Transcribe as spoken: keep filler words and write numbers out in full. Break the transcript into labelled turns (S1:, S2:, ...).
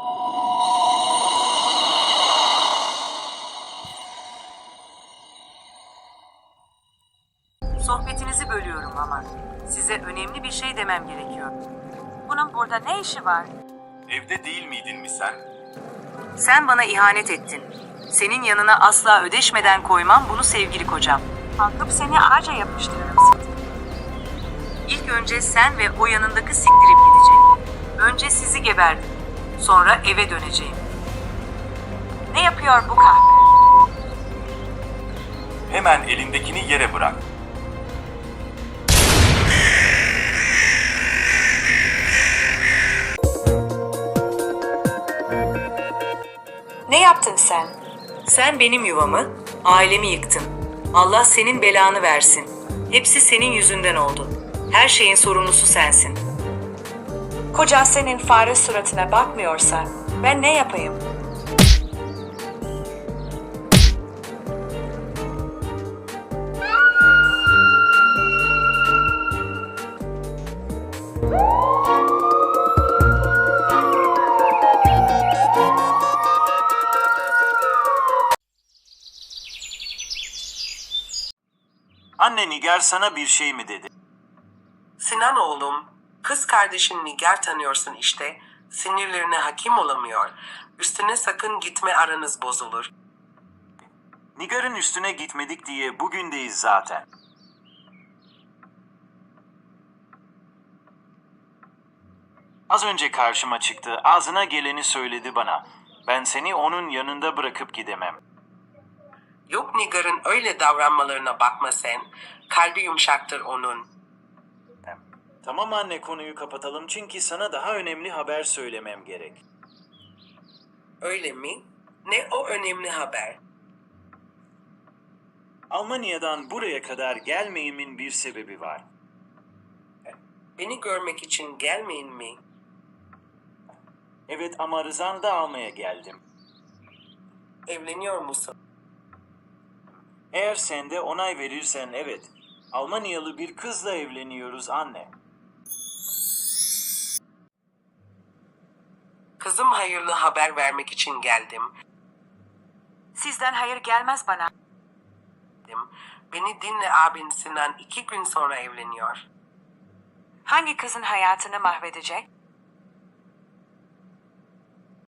S1: Sohbetinizi bölüyorum ama size önemli bir şey demem gerekiyor. Bunun burada ne işi var?
S2: Evde değil miydin mi sen?
S1: Sen bana ihanet ettin. Senin yanına asla ödeşmeden koymam bunu sevgili kocam. Kalkıp seni ağaca yapıştırırım Siktir. İlk önce sen ve o yanındaki siktirip gidecek. Önce sizi geberdim. Sonra eve döneceğim. Ne yapıyor bu kahve?
S2: Hemen elindekini yere bırak.
S1: Ne yaptın sen? Sen benim yuvamı, ailemi yıktın. Allah senin belanı versin. Hepsi senin yüzünden oldu. Her şeyin sorumlusu sensin. Kocan senin fare suratına bakmıyorsa ben ne yapayım?
S3: Anne, Nigar sana bir şey mi dedi?
S4: Sinan oğlum, kız kardeşin Nigar tanıyorsun işte. Sinirlerine hakim olamıyor. Üstüne sakın gitme, aranız bozulur.
S3: Nigar'ın üstüne gitmedik diye bugündeyiz zaten. Az önce karşıma çıktı, ağzına geleni söyledi bana. Ben seni onun yanında bırakıp gidemem.
S4: Yok, Nigar'ın öyle davranmalarına bakma sen. Kalbi yumuşaktır onun.
S3: Tamam anne, konuyu kapatalım çünkü sana daha önemli haber söylemem gerek.
S4: Öyle mi? Ne o önemli haber?
S3: Almanya'dan buraya kadar gelmeyimin bir sebebi var.
S4: Beni görmek için gelmeyin mi?
S3: Evet, ama rızanı da almaya geldim.
S4: Evleniyor musun?
S3: Eğer sen de onay verirsen evet. Almanyalı bir kızla evleniyoruz anne.
S4: Kızım, hayırlı haber vermek için geldim.
S1: Sizden hayır gelmez bana.
S4: Beni dinle, abin Sinan iki gün sonra evleniyor.
S1: Hangi kızın hayatını mahvedecek?